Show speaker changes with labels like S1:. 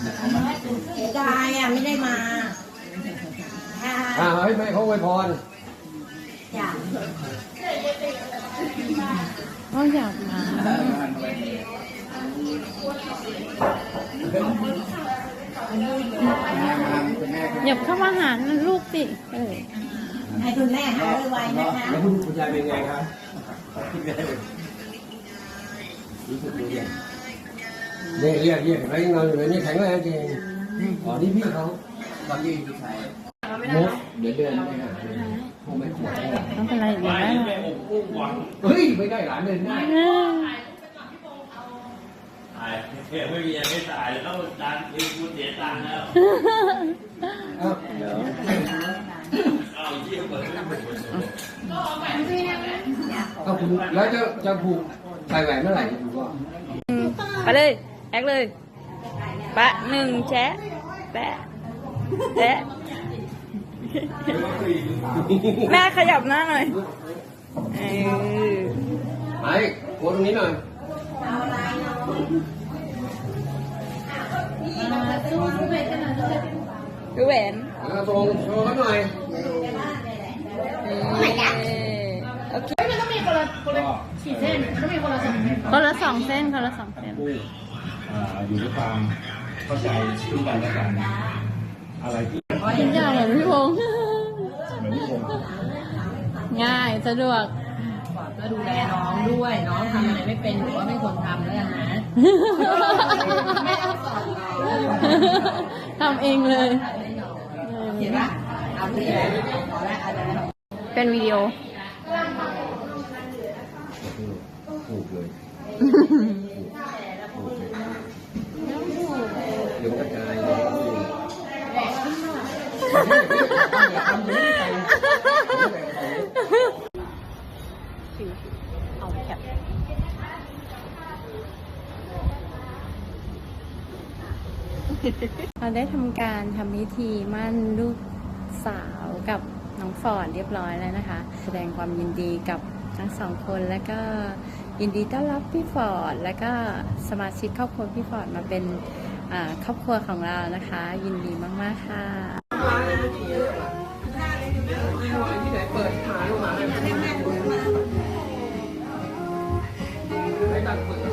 S1: เสียดายอ่ะไม่ได้มา
S2: ให้แม่เขาอวยพร
S1: อยาก
S3: ก็อยากมาหยับเข้ามาหาลูกสิ
S1: ให้คุณแม่หายไวๆนะคะ
S2: แล้วคุณยายเป็นไงครับรู้สึกดีเนี่ยเรียกเห็นไหมนอนอยู่ในนี้แข็งแรงจริงอ๋อนี่พี่เขาตอนยืนอยู่ไหนมุกเดี๋ยวเดินไปหาพวกไม่ขวด
S3: ต้องเป็นไรอีกแล้ว
S2: เฮ้ยไม่ได้หลานเดินได้
S4: ไม่มีอะไรตายแล้วจานเองคุณเสียตังค์แล้วเอาเยี่ยมเลย
S2: เอาคุณแล้วจะผูกใส่แหวนเมื่อไหร่คุณพ่อ
S3: ไปเลยแอคเลยปะหนึ่งแชะแปะแชะแม่ขยับหน้าหน่อย
S2: ไปโค้ดตรงนี้หน่อย
S3: ดูแหวน
S2: ตรงโชว์กันหน่อย
S3: โอเคมันต้องมีคนละ4 เส้นมันต้องมีคนละ2 เส้นคนละ2 เส้น
S4: อยู่ด้วยความเข้าใจซึ่งกันและกันอะไรที่
S3: ทุกอย่างเหมือนพี่พงษ์ง่ายสะดวก
S1: ก็ดูแลน้องด้วยน้องทำอะไรไม่เป็นหรือว่าไม่ควรทำแล้วกันนะ
S3: ทำเองเลย
S1: เห็นปะเอาที่ไหนขอแรกอะไร
S3: เป็นวิดีโอ
S2: ผูกเลยเดี๋ยวกระจาย
S3: เอาแคปเราได้ทำการทำพิธีมั่นลูกสาวกับน้องฟอร์ดเรียบร้อยแล้วนะคะแสดงความยินดีกับทั้ง2 คนแล้วก็ยินดีต้อนรับพี่ฟอร์ดแล้วก็สมาชิกครอบครัวพี่ฟอร์ดมาเป็นครอบครัวของเรานะคะยินดีมากๆค่ะ
S2: ที่ไหนเปิดหาลงมาให้ตัดเปิด